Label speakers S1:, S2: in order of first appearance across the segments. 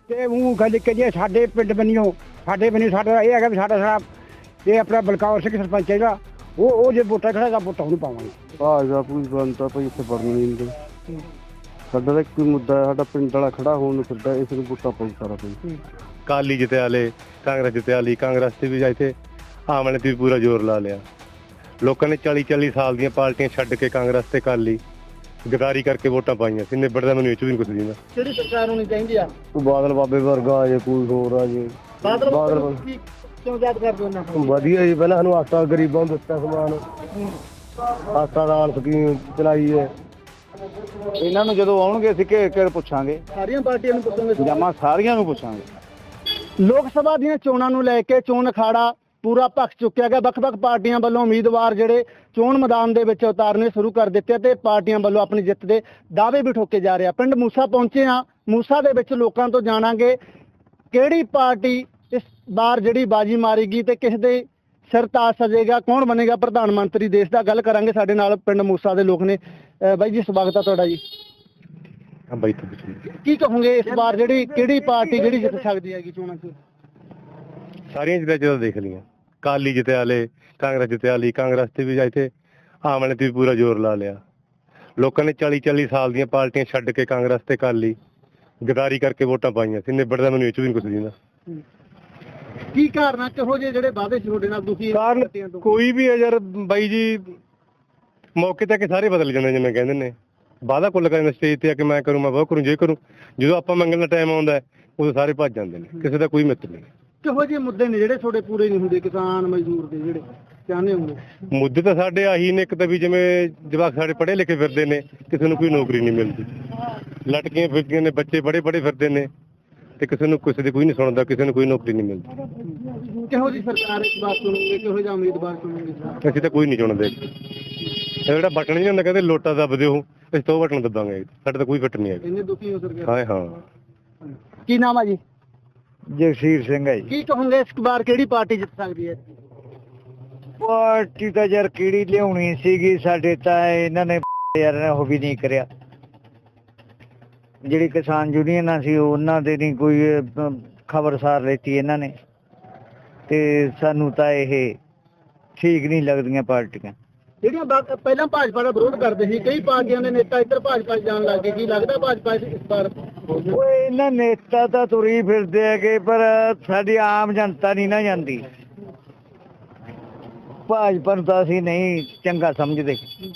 S1: ਤੇ ਉਹ ਗੱਲ ਕਰੀਏ ਸਾਡੇ ਪਿੰਡ ਬੰਨਿਓ ਸਾਡਾ ਇਹ ਹੈਗਾ ਵੀ ਸਾਡਾ ਇਹ ਆਪਣਾ ਬਲਕੌਰ ਸਿੰਘ ਸਰਪੰਚ ਹੈਗਾ ਉਹ ਜੇ ਵੋਟਾਂ ਖੜਾ ਤਾਂ ਵੋਟਾਂ ਉਹਨੂੰ ਪਾਵਾਂਗੇ।
S2: ਭਾਜਪਾ ਕੋਈ ਬੰਦਾ ਭਾਈ ਇੱਥੇ ਵੜਨ ਨਹੀਂ ਦਿੰਦੇ। ਸਾਡਾ ਤਾਂ ਕੋਈ ਮੁੱਦਾ ਹੈ, ਸਾਡਾ ਪਿੰਡ ਵਾਲਾ ਖੜਾ ਹੋਣ ਨੂੰ ਫਿਰਦਾ, ਇਸ ਨੂੰ ਵੋਟਾਂ ਪਾਉ ਸਾਰਾ ਪਿੰਡ।
S3: ਕਾਲੀ ਜਿੱਤਿਆ ਵਾਲੇ ਕਾਂਗਰਸ ਜਿੱਤਿਆ ਵਾਲੀ ਕਾਂਗਰਸ ਤੇ ਵੀ ਜਾ ਇੱਥੇ ਆਮ ਵਾਲੇ ਤੇ ਵੀ ਪੂਰਾ ਜ਼ੋਰ ਲਾ ਲਿਆ। ਲੋਕਾਂ ਨੇ 40 ਸਾਲ ਦੀਆਂ ਪਾਰਟੀਆਂ ਛੱਡ ਕੇ ਕਾਂਗਰਸ ਤੇ ਕਾਲੀ ਗਦਾਰੀ ਕਰਕੇ ਵੋਟਾਂ ਪਾਈਆਂ ਸੀ। ਨਿਬੜਦਾ ਮੈਨੂੰ ਇਹ ਚ ਵੀ ਨਹੀਂ ਕੁਛ ਦਿੰਦਾ।
S1: ਕਿਹੜੀ ਸਰਕਾਰ ਹੋਣੀ ਚਾਹੀਦੀ ਆ?
S2: ਕੋਈ ਬਾਦਲ ਬਾਬੇ ਵਰਗਾ ਆ ਜੇ, ਕੋਈ ਹੋਰ ਆ ਜੇ।
S1: ਬਾਦਲ ਕਿਉਂ ਯਾਦ ਕਰਦੇ ਉਹਨਾਂ ਨੂੰ?
S2: ਵਧੀਆ ਜੀ, ਪਹਿਲਾਂ ਸਾਨੂੰ ਆਟਾ ਗਰੀਬਾਂ ਨੂੰ ਦਿੱਤਾ ਸਮਾਨ, ਆਟਾ ਦਾਲ ਸਕੀਮ ਚਲਾਈ ਹੈ। ਇਹਨਾਂ ਨੂੰ ਜਦੋਂ ਆਉਣਗੇ ਅਸੀਂ ਘੇਰ ਪੁੱਛਾਂਗੇ,
S1: ਸਾਰੀਆਂ ਪਾਰਟੀਆਂ ਨੂੰ ਪੁੱਛੋਗੇ?
S2: ਜਮਾ ਸਾਰੀਆਂ ਨੂੰ ਪੁੱਛਾਂਗੇ।
S1: ਲੋਕ ਸਭਾ ਦੀਆਂ ਚੋਣਾਂ ਨੂੰ ਲੈ ਕੇ ਚੋਣ ਅਖਾੜਾ ਪੂਰਾ ਭਖ ਚੁੱਕਿਆ ਗਿਆ। ਵੱਖ-ਵੱਖ ਪਾਰਟੀਆਂ ਵੱਲੋਂ ਉਮੀਦਵਾਰ ਜਿਹੜੇ ਚੋਣ ਮੈਦਾਨ ਦੇ ਵਿੱਚ ਉਤਾਰਨੇ ਸ਼ੁਰੂ ਕਰ ਦਿੱਤੇ ਤੇ ਪਾਰਟੀਆਂ ਵੱਲੋਂ ਆਪਣੀ ਜਿੱਤ ਦੇ ਦਾਅਵੇ ਵੀ ਠੋਕੇ ਜਾ ਰਹੇ ਆ। ਪਿੰਡ ਮੂਸਾ ਪਹੁੰਚੇ ਆ। ਮੂਸਾ ਦੇ ਵਿੱਚ ਲੋਕਾਂ ਤੋਂ ਜਾਣਾਂਗੇ ਕਿਹੜੀ ਪਾਰਟੀ ਇਸ ਵਾਰ ਜਿਹੜੀ ਬਾਜੀ ਮਾਰੇਗੀ ਤੇ ਕਿਸ ਦੇ ਸਿਰ ਤਾਜ ਸਜੇਗਾ, ਕੌਣ ਬਣੇਗਾ ਪ੍ਰਧਾਨ ਮੰਤਰੀ ਦੇਸ਼ ਦਾ। ਗੱਲ ਕਰਾਂਗੇ, ਸਾਡੇ ਨਾਲ ਪਿੰਡ ਮੂਸਾ ਦੇ ਲੋਕ ਨੇ। ਬਾਈ ਜੀ ਸਵਾਗਤ ਆ ਤੁਹਾਡਾ ਜੀ।
S3: ਹਾਂ ਬਾਈ ਤੋਂ ਪੁੱਛੀ
S1: ਕੀ ਕਹੋਗੇ ਇਸ ਵਾਰ ਜਿਹੜੀ ਕਿਹੜੀ ਪਾਰਟੀ ਜਿਹੜੀ ਜਿੱਤ ਸਕਦੀ ਹੈਗੀ ਚੋਣਾਂ 'ਚ?
S3: ਸਾਰੀਆਂ ਜਿੱਦਾਂ ਜਦੋਂ ਦੇਖ ਲਈਆਂ, ਕਾਲੀ ਜਿੱਤਿਆ ਵਾਲੇ ਕਾਂਗਰਸ ਜਿੱਤਿਆ ਵਾਲੀ ਕਾਂਗਰਸ ਤੇ ਵੀ ਜਾ ਇੱਥੇ ਆਮ ਵਾਲੇ ਤੇ ਵੀ ਪੂਰਾ ਜ਼ੋਰ ਲਾ ਲਿਆ। ਲੋਕਾਂ ਨੇ 40 ਸਾਲ ਦੀਆਂ ਪਾਰਟੀਆਂ ਛੱਡ ਕੇ ਕਾਂਗਰਸ ਤੇ ਕਾਲੀ ਗਦਾਰੀ ਕਰਕੇ ਵੋਟਾਂ ਪਾਈਆਂ ਸੀ। ਨਿਬੜਦਾ ਮੈਨੂੰ ਇਹ ਚ ਵੀ ਨਹੀਂ ਕੁਛ ਦਿੰਦਾ।
S1: ਕੀ ਕਾਰਨ ਆ? ਕਿਹੋ ਜਿਹੇ ਜਿਹੜੇ ਵਾਅਦੇ ਸੀ ਤੁਹਾਡੇ ਨਾਲ ਤੁਸੀਂ
S3: ਕਾਰਨ ਕੋਈ ਵੀ ਹੈ ਯਾਰ ਬਾਈ ਜੀ, ਮੌਕੇ ਤੇ ਆ ਕੇ ਸਾਰੇ ਬਦਲ ਜਾਂਦੇ ਜਿਵੇਂ ਕਹਿੰਦੇ ਨੇ। ਵਾਅਦਾ ਕੁੱਲ ਕਰਨ ਸਟੇਜ ਤੇ ਆ ਕੇ ਮੈਂ ਕਰੂੰ, ਮੈਂ ਬਹੁਤ ਕਰੂੰ, ਜੇ ਕਰੂੰ, ਜਦੋਂ ਆਪਾਂ ਮੰਗਣ ਦਾ ਟਾਈਮ ਆਉਂਦਾ ਹੈ ਉਦੋਂ ਸਾਰੇ ਭੱਜ ਜਾਂਦੇ ਨੇ। ਕਿਸੇ ਦਾ ਕੋਈ ਮਿੱਤਰ ਨਹੀਂ।
S1: ਕਿਹੋ ਜਿਹੇ ਮੁੱਦੇ ਨੇ ਜਿਹੜੇ ਤੁਹਾਡੇ ਪੂਰੇ ਨਹੀਂ ਹੁੰਦੇ, ਕਿਸਾਨ ਮਜ਼ਦੂਰ ਦੇ ਜਿਹੜੇ ਚਾਹੁੰਦੇ ਹੋਗੇ?
S3: ਮੁੱਦੇ ਤਾਂ ਸਾਡੇ ਆਹੀ ਨੇ। ਇੱਕ ਤਾਂ ਵੀ ਜਿਵੇਂ ਜਵਾਕ ਸਾਡੇ ਪੜ੍ਹੇ ਲਿਖੇ ਫਿਰਦੇ ਨੇ, ਕਿਸੇ ਨੂੰ ਕੋਈ ਨੌਕਰੀ ਨਹੀਂ ਮਿਲਦੀ। ਲਟਕੀਆਂ ਫਿਰਦੀਆਂ ਨੇ, ਬੱਚੇ ਬੜੇ ਫਿਰਦੇ ਨੇ ਤੇ ਕਿਸੇ ਨੂੰ ਕਿਸੇ ਦੀ ਕੋਈ ਨਹੀਂ ਸੁਣਦਾ, ਕਿਸੇ ਨੂੰ ਕੋਈ ਨੌਕਰੀ ਨਹੀਂ ਮਿਲਦੀ।
S1: ਕਿਹੋ ਜਿਹੀ ਸਰਕਾਰ ਇਸ ਵਾਰ ਚੁਣੋਗੇ, ਕਿਹੋ ਜਿਹਾ ਉਮੀਦਵਾਰ ਚੁਣੋਗੇ?
S3: ਅਸੀਂ ਤਾਂ ਕੋਈ ਨਹੀਂ ਚੁਣਦੇ। ਇਹ ਜਿਹੜਾ ਬਟਨ ਨਹੀਂ ਹੁੰਦਾ, ਕਹਿੰਦੇ ਲੋਟਾ ਦੱਬ ਦਿਓ, ਅਸੀਂ ਤਾਂ ਉਹ ਬਟਨ ਦੱਬਾਂਗੇ। ਸਾਡੇ ਤਾਂ ਕੋਈ ਫਿੱਟ ਨਹੀਂ ਹੈਗਾ।
S1: ਇੰਨੇ ਦੁਖੀ ਹੋ ਸਰਕਾਰ?
S3: ਹਾਂ ਹਾਂ।
S1: ਕੀ ਨਾਮ ਆ ਜੀ?
S2: ਜਗਸੀਰ ਸਿੰਘ ਹੈ ਜੀ।
S1: ਕੀ ਕਹੋਗੇ ਇਸ ਵਾਰ ਕਿਹੜੀ ਪਾਰਟੀ ਜਿੱਤ ਸਕਦੀ ਹੈ?
S2: ਪਾਰਟੀ ਤਾਂ ਯਾਰ ਕਿਹੜੀ ਲਿਆਉਣੀ ਸੀਗੀ, ਸਾਡੇ ਤਾਂ ਇਹਨਾਂ ਨੇ ਯਾਰ ਉਹ ਵੀ ਨਹੀਂ ਕਰਿਆ। ਜਿਹੜੀ ਕਿਸਾਨ ਯੂਨੀਅਨਾਂ ਸੀ ਉਹਨਾਂ ਦੇ ਨਹੀਂ ਕੋਈ ਖਬਰਸਾਰ ਲੈਤੀ ਇਹਨਾਂ ਨੇ, ਤੇ ਸਾਨੂੰ ਤਾਂ ਇਹ ਠੀਕ ਨਹੀਂ ਲੱਗਦੀਆਂ ਪਾਰਟੀਆਂ
S1: ਜਿਹੜੀਆਂ ਪਹਿਲਾਂ ਭਾਜਪਾ ਦਾ ਵਿਰੋਧ ਕਰਦੇ ਸੀ। ਕਈ ਪਾਰਟੀਆਂ ਦੇ ਨੇਤਾ ਇੱਧਰ ਭਾਜਪਾ 'ਚ ਜਾਣ ਲੱਗ ਗਏ। ਕੀ ਲੱਗਦਾ ਭਾਜਪਾ ਇਸ ਵਾਰ?
S2: ਉਹ ਇਹਨਾਂ ਨੇਤਾ ਤਾਂ ਤੁਰੀ ਫਿਰਦੇ ਹੈਗੇ, ਪਰ ਸਾਡੀ ਆਮ ਜਨਤਾ ਨਹੀਂ ਨਾ ਜਾਂਦੀ। ਭਾਜਪਾ ਨੂੰ ਤਾਂ ਅਸੀਂ ਨਹੀਂ ਚੰਗਾ ਸਮਝਦੇ।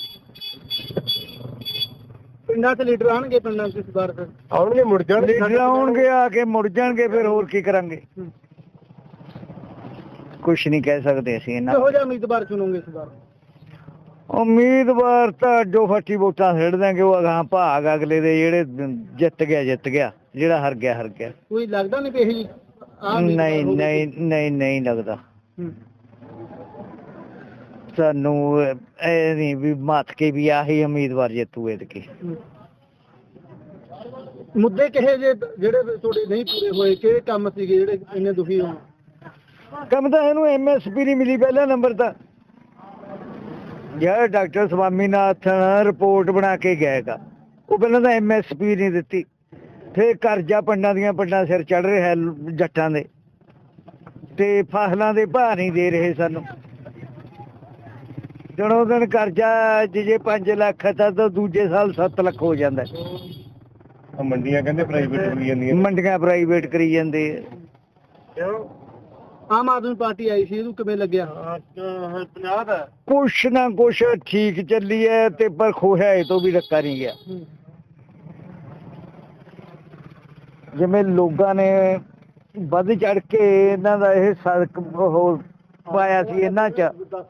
S1: ਪਿੰਡਾਂ 'ਚ ਲੀਡਰ ਆਉਣਗੇ, ਪਿੰਡਾਂ 'ਚ ਇਸ ਵਾਰ ਫਿਰ
S3: ਆਉਣਗੇ, ਮੁੜ ਜਾਣਗੇ,
S2: ਲੀਡਰ ਆਉਣਗੇ, ਆ ਕੇ ਮੁੜ ਜਾਣਗੇ, ਫਿਰ ਹੋਰ ਕੀ ਕਰਾਂਗੇ? ਕੁਛ ਨਹੀਂ ਕਹਿ ਸਕਦੇ ਅਸੀਂ ਇਹਨਾਂ।
S1: ਕਿਹੋ ਜਿਹਾ ਉਮੀਦਵਾਰ ਚੁਣੋਗੇ ਇਸ ਵਾਰ?
S2: ਉਮੀਦਵਾਰ ਤਾਂ ਜੋ ਫੱਟੀ ਵੋਟਾਂ ਛੱਡ ਦਾਂਗੇ, ਉਹ ਅਗਾਂਹ ਭਾਗ ਅਗਲੇ ਦੇ। ਜਿਹੜੇ ਜਿੱਤ ਗਿਆ, ਜਿਹੜਾ ਹਾਰ ਗਿਆ।
S1: ਕੋਈ ਲੱਗਦਾ ਨਹੀਂ ਕਿ ਇਹੀ
S2: ਨਹੀਂ ਲੱਗਦਾ ਸਾਨੂੰ। ਇਹ ਨਹੀਂ ਵੀ ਮੱਥ ਕੇ ਵੀ ਆਹੀ ਉਮੀਦਵਾਰ ਜਿੱਤੂ ਐਤਕੀ।
S1: ਮੁੱਦੇ ਕਿਹੇ ਜਿਹੜੇ ਤੁਹਾਡੇ ਨਹੀਂ ਪੂਰੇ ਹੋਏ? ਕਿਹੜੇ ਕੰਮ ਸੀਗੇ ਜਿਹੜੇ ਇੰਨੇ ਦੁਖੀ ਹੋਣ?
S2: ਕੰਮ ਤਾਂ ਇਹਨੂੰ MSP ਨਹੀਂ ਮਿਲੀ ਪਹਿਲਾ ਨੰਬਰ ਤਾਂ। ਜਿਹੜਾ ਡਾਕਟਰ ਸਵਾਮੀਨਾਥਨ ਰਿਪੋਰਟ ਬਣਾ ਕੇ ਗਏਗਾ, ਉਹ ਪਹਿਲਾਂ ਤਾਂ MSP ਨਹੀਂ ਦਿੱਤੀ। ਫਿਰ ਕਰਜ਼ਾ ਪਿੰਡਾਂ ਸਿਰ ਚੜ ਰਿਹਾ ਜੱਟਾਂ ਦੇ, ਤੇ ਫਸਲਾਂ ਦੇ ਭਾਅ ਨਹੀਂ ਦੇ ਰਹੇ ਸਾਨੂੰ। ਦਿਨੋਂ ਦਿਨ ਕਰਜ਼ਾ ਜੇ 5 ਲੱਖ ਤਾਂ ਦੂਜੇ ਸਾਲ 7 ਲੱਖ ਹੋ ਜਾਂਦਾ।
S3: ਮੰਡੀਆਂ ਕਹਿੰਦੇ ਪ੍ਰਾਈਵੇਟ ਕਰੀ ਜਾਂਦੀਆਂ,
S2: ਮੰਡੀਆਂ ਪ੍ਰਾਈਵੇਟ ਕਰੀ ਜਾਂਦੇ।
S1: ਆਮ ਆਦਮੀ ਪਾਰਟੀ ਆਈ ਸੀ, ਇਹਨੂੰ ਕਿਵੇਂ ਲੱਗਿਆ?
S3: 50 ਦਾ
S2: ਕੁਛ ਨਾ ਕੁਛ ਠੀਕ ਚੱਲੀ ਹੈ, ਤੇ ਪਰ ਖੋਇਆ ਇਹ ਤੋਂ ਵੀ ਰੱਖਾ ਨਹੀਂ ਗਿਆ। ਜਿਵੇਂ ਲੋਕਾਂ ਨੇ ਵੱਧ ਚੜ ਕੇ ਇਹਨਾਂ ਦਾ ਇਹ ਸੜਕ ਉਹ ਪਾਇਆ ਸੀ, ਇਹਨਾਂ 'ਚ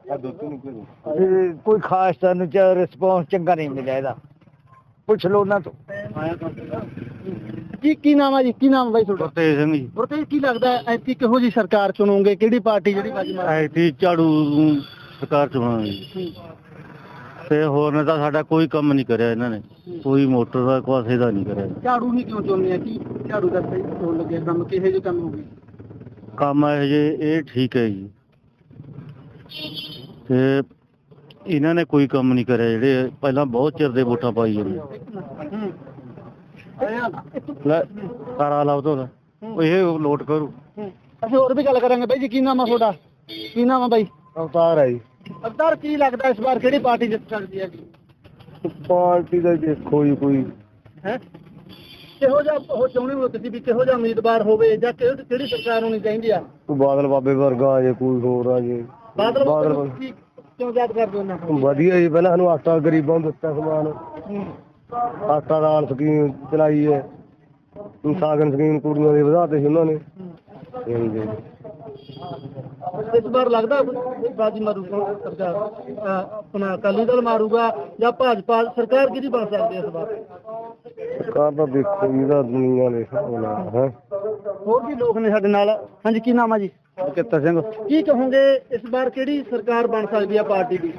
S2: ਕੋਈ ਖਾਸ ਸਾਨੂੰ ਰਿਸਪੌਂਸ ਚੰਗਾ ਨਹੀਂ ਮਿਲਿਆ ਇਹਦਾ। ਪੁੱਛ ਲਓ ਉਹਨਾਂ ਤੋਂ।
S1: ਕੀ ਨਾਮ ਆ ਜੀ? ਕੀ ਨਾਮ ਬਾਈ ਤੁਹਾਡਾ?
S2: ਗੁਰਤੇਜ ਸਿੰਘ ਜੀ।
S1: ਗੁਰਤੇਜ, ਕੀ ਲੱਗਦਾ ਐਤਕੀ ਕਿਹੋ ਜਿਹੀ ਸਰਕਾਰ ਚੁਣੋਗੇ? ਕਿਹੜੀ ਪਾਰਟੀ ਜਿਹੜੀ ਬਾਜੀ ਮਾਰੇ?
S2: ਐਤੀ ਝਾੜੂ ਸਰਕਾਰ ਚੁਣਾਂਗੇ। ਤੇ ਹੋਰ ਨੇ ਤਾਂ ਸਾਡਾ ਕੋਈ ਕੰਮ ਨਹੀਂ ਕਰਿਆ ਇਹਨਾਂ ਨੇ, ਕੋਈ ਮੋਟਰ ਦਾ ਕਿਸੇ ਦਾ ਨਹੀਂ ਕਰਿਆ।
S1: ਝਾੜੂ ਨਹੀਂ ਕਿਉਂ ਚੁਣਦੇ ਆ? ਕੀ ਝਾੜੂ ਦਾ ਸਹੀ ਹੋਣ ਲੱਗਿਆ ਕੰਮ? ਕਿਹੇ ਜਿਹੇ ਕੰਮ ਹੋ ਗਏ?
S2: ਕੰਮ ਇਹ ਠੀਕ ਹੈ ਜੀ, ਤੇ ਇਹਨਾਂ ਨੇ ਕੋਈ ਕੰਮ ਨਹੀਂ ਕਰਿਆ। ਜਿਹੜੇ ਪਹਿਲਾਂ ਬਹੁਤ ਚਿਰ ਦੇ ਵੋਟਾਂ ਪਾਈ ਜਾਂਦੇ। ਲੈ ਕਾਰਾ ਲਾਓ ਤੋਂ ਇਹ ਲੋਟ ਕਰੂ।
S1: ਅਸੀਂ ਹੋਰ ਵੀ ਗੱਲ ਕਰਾਂਗੇ ਬਾਈ ਜੀ। ਕੀ ਨਾਮ ਆ ਤੁਹਾਡਾ? ਕੀ ਨਾਮ ਆ ਬਾਈ?
S2: ਅਵਤਾਰ ਹੈ ਜੀ।
S1: ਅਵਤਾਰ, ਕੀ ਲੱਗਦਾ ਇਸ ਵਾਰ ਕਿਹੜੀ ਪਾਰਟੀ ਜਿੱਤ ਸਕਦੀ ਹੈ ਜੀ?
S2: ਪਾਰਟੀ ਦਾ ਦੇਖੋ ਜੀ ਕੋਈ
S1: ਹੈ ਕਿਹੋ ਜਿਹਾ ਉਹ ਚਾਹੁੰਦੇ ਹੋ ਤੁਸੀਂ ਵੀ ਕਿਹੋ ਜਿਹਾ ਉਮੀਦਵਾਰ ਹੋਵੇ ਜਾਂ ਕਿਹੜੀ ਸਰਕਾਰ ਹੋਣੀ ਚਾਹੀਦੀ ਆ?
S2: ਬਾਦਲ ਬਾਬੇ ਵਰਗਾ ਆ ਜੇ, ਕੋਈ ਹੋਰ ਆ ਜੇ।
S1: ਬਾਦਲ ਕਿਉਂ ਯਾਦ ਕਰਦੇ ਉਹਨਾਂ ਨੂੰ?
S2: ਵਧੀਆ ਜੀ, ਪਹਿਲਾਂ ਸਾਨੂੰ ਆਟਾ ਗਰੀਬਾਂ ਨੂੰ ਦਿੱਤਾ ਸਮਾਨ, ਆਟਾ ਦਾਲ ਸਕੀਮ ਚਲਾਈ ਹੈ, ਸਾਗਨ ਸਕੀਮ ਕੁੜੀਆਂ ਦੇ ਵਧਾਤੇ ਸੀ ਉਹਨਾਂ ਨੇ।
S1: ਇਸ ਵਾਰ ਲੱਗਦਾ ਬਾਜੀ ਮਾਰੂਗਾ ਸਰਕਾਰ, ਆਪਣਾ ਅਕਾਲੀ ਦਲ ਮਾਰੂਗਾ ਜਾਂ ਭਾਜਪਾ? ਸਰਕਾਰ ਕਿਹਦੀ ਬਣ ਸਕਦੀ ਹੈ ਇਸ ਵਾਰ?
S2: ਸਰਕਾਰ ਤਾਂ ਦੇਖੋ ਇਹਦਾ ਦੁਨੀਆ ਦੇ ਹਿਸਾਬ ਨਾਲ ਹੈ।
S1: ਹੋਰ ਵੀ ਲੋਕ ਨੇ ਸਾਡੇ ਨਾਲ। ਹਾਂਜੀ, ਕੀ ਨਾਮ ਆ ਜੀ?
S2: ਚਿੱਤਰ ਸਿੰਘ।
S1: ਕੀ ਕਹੋਗੇ ਇਸ ਵਾਰ ਕਿਹੜੀ ਸਰਕਾਰ ਬਣ ਸਕਦੀ ਹੈ ਪਾਰਟੀ ਦੀ?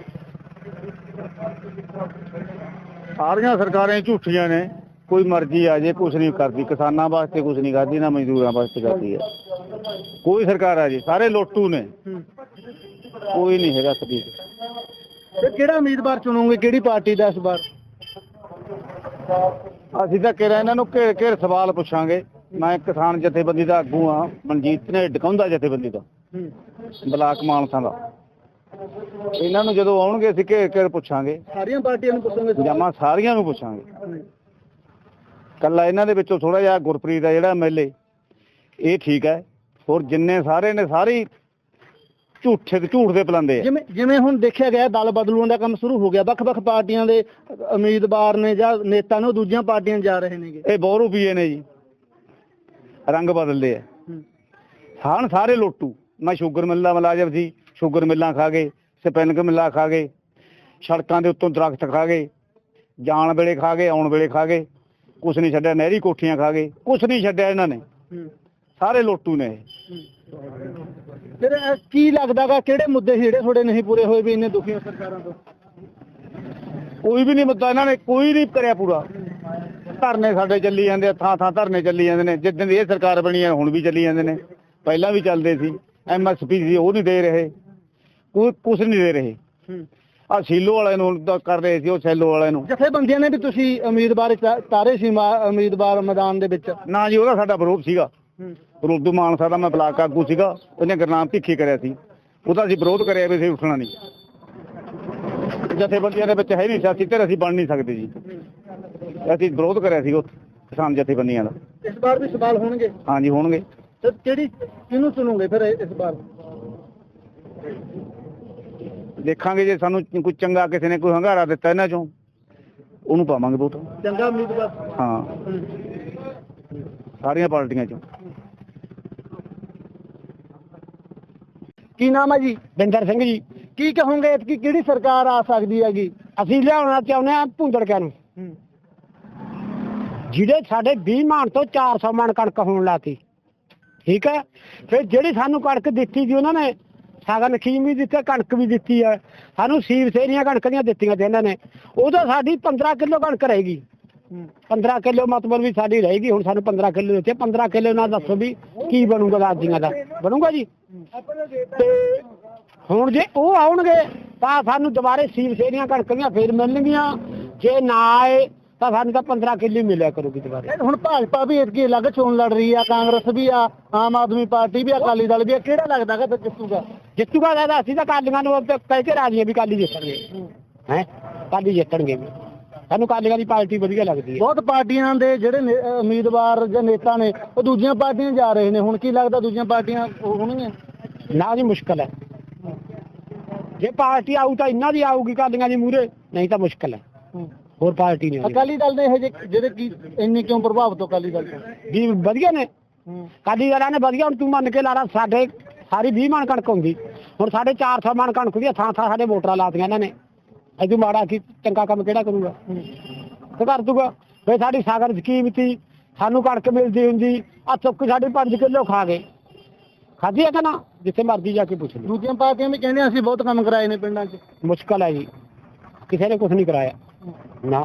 S2: ਸਾਰੀਆਂ ਸਰਕਾਰਾਂ ਝੂਠੀਆਂ ਨੇ, ਕੋਈ ਮਰਜ਼ੀ ਆ ਜੇ ਕੁਛ ਨਹੀਂ ਕਰਦੀ, ਕਿਸਾਨਾਂ ਵਾਸਤੇ ਕੁਛ ਨਹੀਂ ਕਰਦੀ, ਨਾ ਮਜ਼ਦੂਰਾਂ ਵਾਸਤੇ ਕਰਦੀ ਹੈ। ਕੋਈ ਸਰਕਾਰ ਆ ਜੀ, ਸਾਰੇ ਲੋਟੂ ਨੇ, ਕੋਈ ਨਹੀਂ ਹੈਗਾ ਸਦੀਕ।
S1: ਤੇ ਕਿਹੜਾ ਉਮੀਦਵਾਰ ਚੁਣੋਗੇ, ਕਿਹੜੀ ਪਾਰਟੀ ਦਾ ਇਸ ਵਾਰ?
S2: ਅਸੀਂ ਤਾਂ ਕਿਹਾ ਇਹਨਾਂ ਨੂੰ ਘੇਰ ਘੇਰ ਸਵਾਲ ਪੁੱਛਾਂਗੇ। ਮੈਂ ਕਿਸਾਨ ਜਥੇਬੰਦੀ ਦਾ ਆਗੂ ਹਾਂ, ਮਨਜੀਤ ਨੇ ਡਕਾਉਂਦਾ ਜਥੇਬੰਦੀ ਦਾ, ਬਲਾਕ ਮਾਨਸਾ ਦਾ। ਇਹਨਾਂ ਨੂੰ ਜਦੋਂ ਆਉਣਗੇ ਅਸੀਂ ਘੇਰ ਘੇਰ ਪੁੱਛਾਂਗੇ।
S1: ਸਾਰੀਆਂ ਪਾਰਟੀਆਂ ਨੂੰ ਪੁੱਛੋਗੇ?
S2: ਜਮਾ ਸਾਰੀਆਂ ਨੂੰ ਪੁੱਛਾਂਗੇ। ਕੱਲਾ ਇਹਨਾਂ ਦੇ ਵਿੱਚੋਂ ਥੋੜਾ ਜਿਹਾ ਗੁਰਪ੍ਰੀਤ ਦਾ ਜਿਹੜਾ MLA ਇਹ ਠੀਕ ਹੈ, ਹੋਰ ਜਿੰਨੇ ਸਾਰੇ ਨੇ ਸਾਰੇ ਝੂਠ ਦੇ ਪਲਾਂਦੇ ਆ।
S1: ਜਿਵੇਂ ਹੁਣ ਦੇਖਿਆ ਗਿਆ ਦਲ ਬਦਲੂਆਂ ਦਾ ਕੰਮ ਸ਼ੁਰੂ ਹੋ ਗਿਆ, ਵੱਖ-ਵੱਖ ਪਾਰਟੀਆਂ ਦੇ ਉਮੀਦਵਾਰ ਨੇ ਜਾਂ ਨੇਤਾ ਨੇ ਉਹ ਦੂਜੀਆਂ ਪਾਰਟੀਆਂ ਜਾ ਰਹੇ ਨੇਗੇ।
S2: ਇਹ ਬਹੁਤ ਰੁਪਈਏ ਨੇ ਜੀ, ਰੰਗ ਬਦਲਦੇ ਆ। ਹਾਂ ਸਾਰੇ ਲੋਟੂ। ਮੈਂ ਸ਼ੂਗਰ ਮਿੱਲ ਦਾ ਮੁਲਾਜ਼ਮ ਸੀ, ਸ਼ੂਗਰ ਮਿੱਲਾਂ ਖਾ ਗਏ, ਸਪਿਨਿੰਗ ਮਿੱਲਾਂ ਖਾ ਗਏ, ਸੜਕਾਂ ਦੇ ਉੱਤੋਂ ਦਰਖਤ ਖਾ ਗਏ, ਜਾਣ ਵੇਲੇ ਖਾ ਗਏ, ਆਉਣ ਵੇਲੇ ਖਾ ਗਏ, ਕੁਛ ਨਹੀਂ ਛੱਡਿਆ। ਨਹਿਰੀ ਕੋਠੀਆਂ ਖਾ ਗਏ, ਕੁਛ ਨਹੀਂ ਛੱਡਿਆ ਇਹਨਾਂ ਨੇ। ਸਾਰੇ ਲੋਟੂ ਨੇ ਇਹ।
S1: ਫਿਰ ਕੀ ਲੱਗਦਾਗਾ ਕਿਹੜੇ ਮੁੱਦੇ ਜਿਹੜੇ ਤੁਹਾਡੇ ਨਹੀਂ ਪੂਰੇ ਹੋਏ ਵੀ ਇੰਨੇ ਦੁਖੀ ਹੋ ਸਰਕਾਰਾਂ ਤੋਂ?
S2: ਕੋਈ ਵੀ ਨਹੀਂ ਮੁੱਦਾ ਇਹਨਾਂ ਨੇ ਕੋਈ ਨਹੀਂ ਕਰਿਆ ਪੂਰਾ। ਧਰਨੇ ਸਾਡੇ ਚੱਲੀ ਜਾਂਦੇ ਆ, ਥਾਂ ਥਾਂ ਧਰਨੇ ਚੱਲੀ ਜਾਂਦੇ ਨੇ। ਜਿੱਦਣ ਦੀ ਇਹ ਸਰਕਾਰ ਬਣੀ ਹੈ ਹੁਣ ਵੀ ਚੱਲੀ ਜਾਂਦੇ ਨੇ, ਪਹਿਲਾਂ ਵੀ ਚੱਲਦੇ ਸੀ। MSP ਸੀ ਉਹ ਨਹੀਂ ਦੇ ਰਹੇ, ਕੋਈ ਕੁਛ ਨਹੀਂ ਦੇ ਰਹੇ। ਆ ਸੀਲੋ ਵਾਲਿਆਂ ਨੂੰ ਤਾਂ ਕਰ ਰਹੇ ਸੀ, ਉਹ ਸੈਲੋ ਵਾਲਿਆਂ ਨੂੰ।
S1: ਜਥੇਬੰਦੀਆਂ ਨੇ ਵੀ ਤੁਸੀਂ ਉਮੀਦਵਾਰ ਤਾਰੇ ਸੀ ਉਮੀਦਵਾਰ ਮੈਦਾਨ ਦੇ ਵਿੱਚ?
S2: ਨਾ ਜੀ, ਉਹਦਾ ਸਾਡਾ ਵਿਰੋਧ ਸੀਗਾ। ਰੋਡੂ ਮਾਨਸਾ ਦਾ ਮੈਂ ਬਲਾਕ ਆਗੂ ਸੀਗਾ, ਉਹਨੇ ਗੁਰਨਾਮ ਭਿੱਖੀ ਕਰਿਆ ਸੀ, ਉਹਦਾ ਅਸੀਂ ਵਿਰੋਧ ਕਰਿਆ ਵੀ ਅਸੀਂ ਉੱਠਣਾ ਨਹੀਂ। ਜਥੇਬੰਦੀਆਂ ਦੇ ਵਿੱਚ ਹੈ ਨਹੀਂ ਸਿਆਸੀ ਧਿਰ, ਅਸੀਂ ਬਣ ਨਹੀਂ ਸਕਦੇ ਜੀ। ਅਸੀਂ ਵਿਰੋਧ ਕਰਿਆ ਸੀ ਉਹ ਕਿਸਾਨ ਜਥੇਬੰਦੀਆਂ ਦਾ।
S1: ਇਸ ਵਾਰ ਵੀ ਸਵਾਲ ਹੋਣਗੇ?
S2: ਹਾਂਜੀ ਹੋਣਗੇ।
S1: ਤੇ ਕਿਹਨੂੰ ਚੁਣੋਗੇ ਫਿਰ ਇਸ ਵਾਰ?
S2: ਦੇਖਾਂਗੇ ਜੇ ਸਾਨੂੰ ਕੋਈ ਚੰਗਾ ਕਿਸੇ ਨੇ ਕੋਈ ਹੰਗਾਰਾ ਦਿੱਤਾ ਇਹਨਾਂ ਚੋਂ, ਉਹਨੂੰ ਪਾਵਾਂਗੇ ਵੋਟ।
S1: ਚੰਗਾ ਉਮੀਦਵਾਰ?
S2: ਹਾਂ, ਸਾਰੀਆਂ ਪਾਰਟੀਆਂ ਚੋਂ।
S1: ਕੀ ਨਾਮ ਹੈ ਜੀ?
S2: ਬਿੰਦਰ ਸਿੰਘ ਜੀ।
S1: ਕੀ ਕਹੋਗੇ ਕਿ ਕਿਹੜੀ ਸਰਕਾਰ ਆ ਸਕਦੀ ਹੈਗੀ?
S2: ਅਸੀਂ ਲਿਆਉਣਾ ਚਾਹੁੰਦੇ ਹਾਂ ਭੁੰਦੜਕਿਆਂ ਨੂੰ, ਜਿਹੜੇ ਸਾਡੇ 20 ਮਣ ਤੋਂ 400 ਮਣ ਕਣਕ ਹੋਣ ਲਾਤੀ। ਠੀਕ ਹੈ, ਫਿਰ ਜਿਹੜੀ ਸਾਨੂੰ ਕਣਕ ਦਿੱਤੀ ਸੀ ਉਹਨਾਂ ਨੇ ਸਾਗਨ ਸਕੀਮ ਵੀ ਦਿੱਤੀ, ਕਣਕ ਵੀ ਦਿੱਤੀ ਹੈ ਸਾਨੂੰ। ਸੀਵ ਸੇਰੀਆਂ ਕਣਕ ਦੀਆਂ ਦਿੱਤੀਆਂ ਤੇ ਇਹਨਾਂ ਨੇ, ਉਦੋਂ ਸਾਡੀ 15 ਕਿਲੋ ਕਣਕ ਰਹੇਗੀ। 15 ਕਿਲੋ ਮਤਲਬ ਵੀ ਸਾਡੀ ਰਹੇਗੀ। ਹੁਣ ਸਾਨੂੰ 15 ਕਿਲੋ ਦਿੱਤੇ, 15 ਕਿਲੋ ਨਾਲ ਦੱਸੋ ਵੀ ਕੀ ਬਣੂਗਾ? ਦਾਦੀਆਂ ਦਾ ਬਣੂਗਾ ਜੀ? ਤੇ ਹੁਣ ਜੇ ਉਹ ਆਉਣਗੇ ਤਾਂ ਸਾਨੂੰ ਦੁਬਾਰੇ ਸੀਵ ਸੇਰੀਆਂ ਕਣਕ ਦੀਆਂ ਫੇਰ ਮਿਲਣਗੀਆਂ। ਜੇ ਨਾ ਆਏ ਤਾਂ ਸਾਨੂੰ ਤਾਂ 15 ਕਿਲੋ ਮਿਲਿਆ ਕਰੂਗੀ ਦੁਬਾਰੇ।
S1: ਹੁਣ ਭਾਜਪਾ ਵੀ ਇਤਕੀ ਅਲੱਗ ਚੋਣ ਲੜ ਰਹੀ ਆ, ਕਾਂਗਰਸ ਵੀ ਆ, ਆਮ ਆਦਮੀ ਪਾਰਟੀ ਵੀ ਆ, ਅਕਾਲੀ ਦਲ ਵੀ ਆ। ਕਿਹੜਾ ਲੱਗਦਾ ਕਿ ਜਿੱਤੂਗਾ?
S2: ਜਿੱਤੂਗਾ ਤਾਂ ਅਸੀਂ ਤਾਂ ਕਾਲੀਆਂ ਨੂੰ ਕਹਿ ਕੇ ਰਾਜੀ ਆ ਵੀ ਕਾਲੀ ਜਿੱਤਣਗੇ। ਹੈ ਕਾਲੀ ਜਿੱਤਣਗੇ ਵੀ, ਸਾਨੂੰ ਕਾਲੀਆਂ ਦੀ ਪਾਰਟੀ ਵਧੀਆ ਲੱਗਦੀ ਹੈ।
S1: ਬਹੁਤ ਪਾਰਟੀਆਂ ਦੇ ਜਿਹੜੇ ਉਮੀਦਵਾਰ ਜਾਂ ਨੇਤਾ ਨੇ ਉਹ ਦੂਜੀਆਂ ਪਾਰਟੀਆਂ ਜਾ ਰਹੇ ਨੇ। ਹੁਣ ਕੀ ਲੱਗਦਾ ਦੂਜੀਆਂ ਪਾਰਟੀਆਂ ਹੋਣਗੀਆਂ?
S2: ਨਾ ਜੀ, ਮੁਸ਼ਕਲ ਹੈ। ਜੇ ਪਾਰਟੀ ਆਊ ਤਾਂ ਇਹਨਾਂ ਦੀ ਆਊਗੀ ਕਾਲੀਆਂ ਦੀ ਮੂਹਰੇ, ਨਹੀਂ ਤਾਂ ਮੁਸ਼ਕਲ ਹੈ। ਹੋਰ ਪਾਰਟੀ ਨਹੀਂ।
S1: ਅਕਾਲੀ ਦਲ ਦੇ ਇਹ ਜਿਹੜੇ ਕੀ ਇੰਨੀ ਕਿਉਂ ਪ੍ਰਭਾਵਿਤ ਹੋ ਅਕਾਲੀ ਦਲ ਤੋਂ?
S2: ਵੀ ਵਧੀਆ ਨੇ ਅਕਾਲੀ ਦਲਾਂ ਨੇ ਵਧੀਆ। ਹੁਣ ਤੂੰ ਮੰਨ ਕੇ ਲਾ ਲਾ, ਸਾਡੇ ਸਾਰੀ 20 ਮਣ ਕਣਕ ਹੁੰਦੀ, ਹੁਣ ਸਾਡੇ 400 ਮਣ ਕਣਕ ਦੀ ਥਾਂ ਥਾਂ ਸਾਡੇ ਵੋਟਰਾਂ ਲਾਤੀਆਂ ਇਹਨਾਂ ਨੇ। ਅਜੂ ਮਾੜਾ ਕੀ ਚੰਗਾ ਕੰਮ ਕਿਹੜਾ ਕਰੂਗਾ? ਤੇ ਕਰ ਦੂਗਾ। ਫਿਰ ਸਾਡੀ ਸਾਗਰ ਸਕੀਮ ਸੀ, ਸਾਨੂੰ ਕਣਕ ਮਿਲਦੀ ਹੁੰਦੀ, ਆ ਚੁੱਕ ਸਾਡੀ 5 ਕਿਲੋ ਖਾ ਗਏ। ਖਾਧੀ ਹੈ ਕਿ ਨਾ? ਜਿੱਥੇ ਮਰਜ਼ੀ ਜਾ ਕੇ ਪੁੱਛ ਲਓ।
S1: ਦੂਜੀਆਂ ਪਾਰਟੀਆਂ ਵੀ ਕਹਿੰਦੇ ਅਸੀਂ ਬਹੁਤ ਕੰਮ ਕਰਾਏ ਨੇ ਪਿੰਡਾਂ 'ਚ।
S2: ਮੁਸ਼ਕਲ ਹੈ ਜੀ, ਕਿਸੇ ਨੇ ਕੁਛ ਨਹੀਂ ਕਰਾਇਆ ਨਾ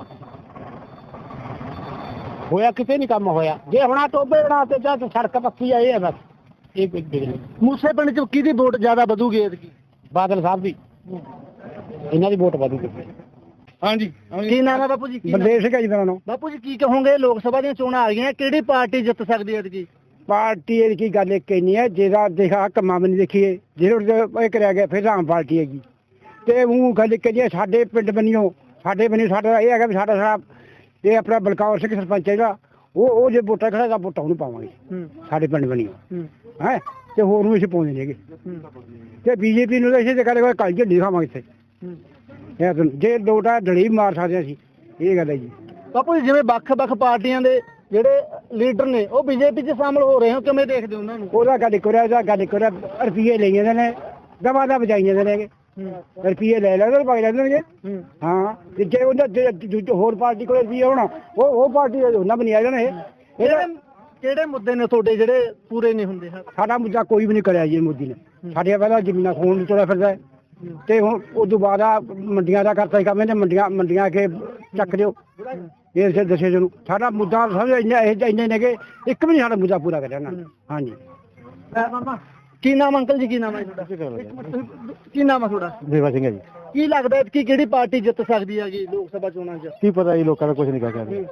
S2: ਹੋਇਆ, ਕਿਤੇ ਨਹੀਂ ਕੰਮ ਹੋਇਆ। ਜੇ ਹੁਣ ਟੋਬੇ ਬਣਾ ਤੇ ਜਾਂ ਸੜਕ ਪੱਕੀ ਆਏ ਆ ਬਸ। ਇਹ ਕੋਈ ਬਿਜਲੀ
S1: ਮੂਸੇ ਪਿੰਡ 'ਚ ਕਿਹਦੀ ਵੋਟ ਜ਼ਿਆਦਾ ਵਧੂਗੀ ਐਤਕੀ?
S2: ਬਾਦਲ ਸਾਹਿਬ ਦੀ, ਇਹਨਾਂ ਦੀ ਵੋਟ ਵਧੂਗੀ।
S1: ਹਾਂਜੀ, ਕੀ ਨਾਮ ਹੈ ਬਾਪੂ ਜੀ?
S2: ਬਲਦੇਵ ਸਿੰਘ ਜੀ ਦਾ ਨਾਮ।
S1: ਬਾਪੂ ਜੀ ਕੀ ਕਹੋਗੇ, ਲੋਕ ਸਭਾ ਦੀਆਂ ਚੋਣਾਂ ਆ ਰਹੀਆਂ, ਕਿਹੜੀ ਪਾਰਟੀ ਜਿੱਤ ਸਕਦੀ ਹੈ ਐਤਕੀ?
S2: ਪਾਰਟੀ ਦੀ ਗੱਲ ਇੱਕ ਹੀ ਨਹੀਂ ਹੈ, ਜਿਹਦਾ ਦੇਖਾ ਕੰਮਾਂ ਵੀ ਨਹੀਂ ਦੇਖੀਏ, ਜਿਹੜੇ ਇਹ ਕਰਿਆ ਗਿਆ ਫਿਰ ਆਮ ਪਾਰਟੀ ਹੈਗੀ। ਤੇ ਉਹ ਗੱਲ ਇੱਕ ਜੀ ਸਾਡੇ ਪਿੰਡ ਬਣੀਓ, ਸਾਡਾ ਇਹ ਹੈਗਾ ਵੀ ਸਾਡਾ ਇਹ ਆਪਣਾ ਬਲਕੌਰ ਸਿੰਘ ਸਰਪੰਚ ਹੈ ਜਿਹੜਾ ਉਹ ਜੇ ਵੋਟਾਂ ਖੜਾ ਵੋਟਾਂ ਉਹਨੂੰ ਪਾਵਾਂਗੇ ਸਾਡੇ ਪਿੰਡ ਬਣੀਓ ਹੈ। ਤੇ ਹੋਰ ਨੂੰ ਅਸੀਂ ਪਾਉਂਦੇ ਨੇਗੇ ਤੇ ਬੀਜੇਪੀ ਨੂੰ ਤਾਂ ਇਸੇ ਤੇ ਕਰੇ ਕੱਲ ਝੰਡੀ ਖਾਵਾਂਗੇ ਇੱਥੇ ਜੇ ਲੋਟਾ ਡਲੀ ਮਾਰ ਸਕਦੇ ਅਸੀਂ, ਇਹ ਗੱਲ ਹੈ ਜੀ।
S1: ਬਾਪੂ ਜੀ ਜਿਵੇਂ ਵੱਖ-ਵੱਖ ਪਾਰਟੀਆਂ ਦੇ ਜਿਹੜੇ ਲੀਡਰ ਨੇ ਉਹ ਬੀਜੇਪੀ 'ਚ ਸ਼ਾਮਲ ਹੋ ਰਹੇ ਹੋ, ਕਿਵੇਂ ਦੇਖਦੇ ਹੋ ਉਹਨਾਂ ਨੂੰ?
S2: ਉਹਦਾ ਗੱਲ ਕਰਿਆ ਰੁਪਈਏ ਲਈ ਜਾਂਦੇ ਨੇ, ਦਵਾ ਦਾ ਵਜਾਈ ਜਾਂਦੇ ਨੇ, ਰੁਪਈਏ ਲੈ ਲੈਂਦੇ ਪਾਈ ਲੈਂਦੇ। ਹਾਂ ਤੇ ਜੇ ਉਹਨਾਂ ਹੋਰ ਪਾਰਟੀ ਕੋਲ ਰੁਪਈਏ ਹੋਣਾ ਉਹ ਪਾਰਟੀ ਉਹਨਾਂ ਬਣੀ ਆ ਜਾਣਾ।
S1: ਕਿਹੜੇ ਮੁੱਦੇ ਨੇ ਤੁਹਾਡੇ ਜਿਹੜੇ ਪੂਰੇ ਨਹੀਂ ਹੁੰਦੇ?
S2: ਸਾਡਾ ਮੁੱਦਾ ਕੋਈ ਵੀ ਨਹੀਂ ਕਰਿਆ ਜੀ ਮੋਦੀ ਨੇ। ਸਾਡੇ ਪਹਿਲਾਂ ਜ਼ਮੀਨਾਂ ਖੋਣ ਨੂੰ ਤੁਰਿਆ ਫਿਰਦਾ ਤੇ ਹੁਣ ਉਸ ਤੋਂ ਬਾਅਦ ਆ ਮੰਡੀਆਂ ਦਾ ਕਰਤਾ ਕੰਮ ਇਹਨੇ, ਮੰਡੀਆਂ ਕੇ ਚੱਕ ਦਿਓ ਇਸ ਦੱਸੇ ਨੂੰ। ਸਾਡਾ ਮੁੱਦਾ ਸਮਝ ਇੰਨੇ ਨੇ ਕਿ ਇੱਕ ਵੀ ਨਹੀਂ ਸਾਡਾ ਮੁੱਦਾ ਪੂਰਾ ਕਰਿਆ ਨਾ। ਹਾਂਜੀ
S1: ਕੀ ਨਾਮ ਅੰਕਲ ਜੀ, ਕੀ ਨਾਮ ਹੈ ਤੁਹਾਡਾ? ਕੀ ਨਾਮ ਹੈ ਤੁਹਾਡਾ?
S3: ਦੇਵਾ ਸਿੰਘ ਹੈ ਜੀ।
S1: ਕੀ ਲੱਗਦਾ ਕਿ ਕਿਹੜੀ ਪਾਰਟੀ ਜਿੱਤ ਸਕਦੀ ਹੈਗੀ ਲੋਕ ਸਭਾ ਚੋਣਾਂ 'ਚ?
S3: ਕੀ ਪਤਾ ਜੀ, ਲੋਕਾਂ ਦਾ ਕੁਝ ਨਹੀਂ ਕਹਿ ਸਕਦੇ,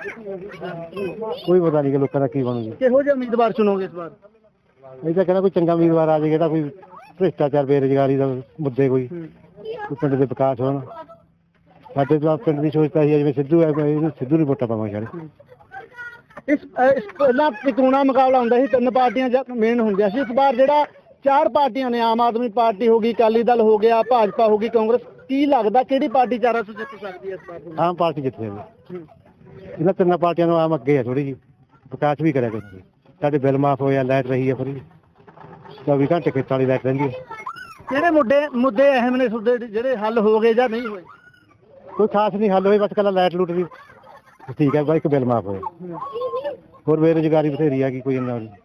S3: ਕੋਈ ਪਤਾ ਨਹੀਂ ਕਿ ਲੋਕਾਂ ਦਾ ਕੀ ਬਣੂਗੀ।
S1: ਕਿਹੋ ਜਿਹੇ ਉਮੀਦਵਾਰ ਚੁਣੋਗੇ ਇਸ ਵਾਰ?
S3: ਇਹ ਤਾਂ ਕਹਿੰਦਾ ਕੋਈ ਚੰਗਾ ਉਮੀਦਵਾਰ ਆ ਜਾਏ, ਜਿਹੜਾ ਕੋਈ ਭ੍ਰਿਸ਼ਟਾਚਾਰ ਬੇਰੁਜ਼ਗਾਰੀ ਦਾ ਮੁੱਦੇ ਕੋਈ ਪਿੰਡ ਦੇ ਵਿਕਾਸ ਹੋਣ। ਸਾਡੇ ਤਾਂ ਪਿੰਡ ਦੀ ਸੋਚਤਾ ਸੀ ਜਿਵੇਂ ਸਿੱਧੂ ਹੈ, ਸਿੱਧੂ ਨੂੰ ਵੋਟਾਂ ਪਾਵਾਂਗੇ ਸਾਰੇ।
S1: ਇਸ ਪਹਿਲਾਂ ਚੋਣਾਂ ਮੁਕਾਬਲਾ ਹੁੰਦਾ ਸੀ, 3 ਪਾਰਟੀਆਂ ਮੇਨ ਹੁੰਦੀਆਂ ਸੀ। ਇਸ ਵਾਰ ਜਿਹੜਾ 4 ਪਾਰਟੀਆਂ ਨੇ, ਆਮ ਆਦਮੀ ਪਾਰਟੀ ਹੋ ਗਈ, ਅਕਾਲੀ ਦਲ ਹੋ ਗਿਆ, ਭਾਜਪਾ ਹੋ ਗਈ, ਕਾਂਗਰਸ, ਕੀ ਲੱਗਦਾ ਕਿਹੜੀ ਪਾਰਟੀ 400 ਜਿੱਤ ਸਕਦੀ ਹੈ ਇਸ ਵਾਰ?
S3: ਆਮ ਪਾਰਟੀ ਜਿੱਤ ਜਾਵੇ। ਇਹਨਾਂ 3 ਪਾਰਟੀਆਂ ਨੂੰ ਆਮ ਅੱਗੇ ਹੈ ਥੋੜੀ ਜਿਹੀ, ਵਿਕਾਸ ਵੀ ਕਰਿਆ ਕਰਦੇ। ਸਾਡੇ ਬਿੱਲ ਮਾਫ ਹੋਇਆ, ਲਾਈਟ ਰਹੀ ਹੈ ਫਰੀ, 24 ਘੰਟੇ ਖੇਤਾਂ ਵਾਲੀ ਲਾਈਟ ਰਹਿੰਦੀ ਹੈ।
S1: ਕਿਹੜੇ ਮੁੱਦੇ ਅਹਿਮ ਨੇ ਤੁਹਾਡੇ ਜਿਹੜੇ ਹੱਲ ਹੋ ਗਏ ਜਾਂ ਨਹੀਂ ਹੋਏ?
S3: ਕੋਈ ਖਾਸ ਨਹੀਂ ਹੱਲ ਹੋਏ, ਬਸ ਕੱਲਾ ਲਾਈਟ ਲੂਟ ਵੀ ਠੀਕ ਹੈ, ਬਾਈ ਇੱਕ ਬਿੱਲ ਮਾਫ ਹੋਇਆ। ਹੋਰ ਬੇਰੁਜ਼ਗਾਰੀ ਬਥੇਰੀ ਆ ਗਈ, ਕੋਈ ਇੰਨਾ